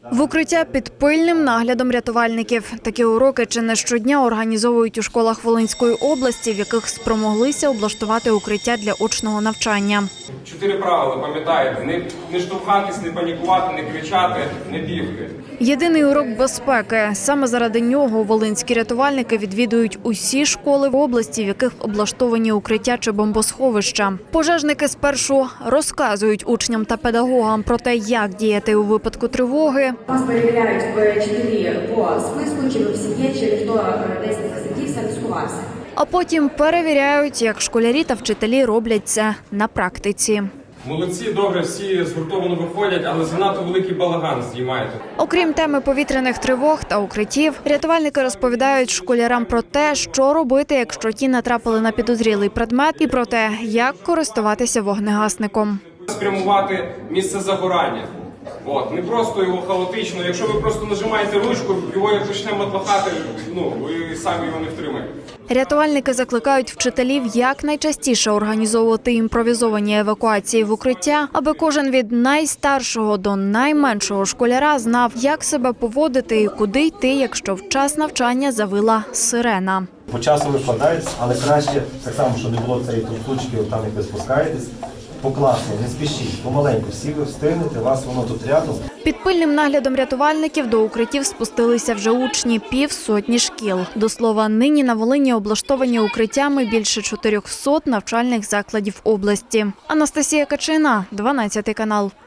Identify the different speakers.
Speaker 1: В укриття під пильним наглядом рятувальників. Такі уроки чи не щодня організовують у школах Волинської області, в яких спромоглися облаштувати укриття для очного навчання.
Speaker 2: 4 правила, пам'ятаєте, не штовхатись, не панікувати, не кричати, не бігти.
Speaker 1: Єдиний урок безпеки. Саме заради нього волинські рятувальники відвідують усі школи в області, в яких облаштовані укриття чи бомбосховища. Пожежники спершу розказують учням та педагогам про те, як діяти у випадку тривоги.
Speaker 3: Вас перевіряють вчителі по списку, чи ви в сім'ї, чи ніхто десь не засидівся, не сховався.
Speaker 1: А потім перевіряють, як школярі та вчителі роблять це на практиці.
Speaker 2: Молодці, добре, всі згуртовано виходять, але занадто великий балаган здіймаєте.
Speaker 1: Окрім теми повітряних тривог та укриттів, рятувальники розповідають школярам про те, що робити, якщо ті натрапили на підозрілий предмет, і про те, як користуватися вогнегасником.
Speaker 2: Спрямувати місце загорання. Не просто його хаотично. Якщо ви просто нажимаєте ручку, його як почне матлахати, ви самі його не втримаєте.
Speaker 1: Рятувальники закликають вчителів якнайчастіше організовувати імпровізовані евакуації в укриття, аби кожен від найстаршого до найменшого школяра знав, як себе поводити і куди йти, якщо в час навчання завила сирена.
Speaker 4: По часу викладається, але краще, так само, щоб не було цієї трусучки, там як ви спускаєтесь, покласно, не спішіть, помаленьку, всі ви встигнете, вас воно тут рядом.
Speaker 1: Під пильним наглядом рятувальників до укриттів спустилися вже учні 50 шкіл. До слова, нині на Волині облаштовані укриттями більше 400 навчальних закладів області. Анастасія Качина, 12 канал.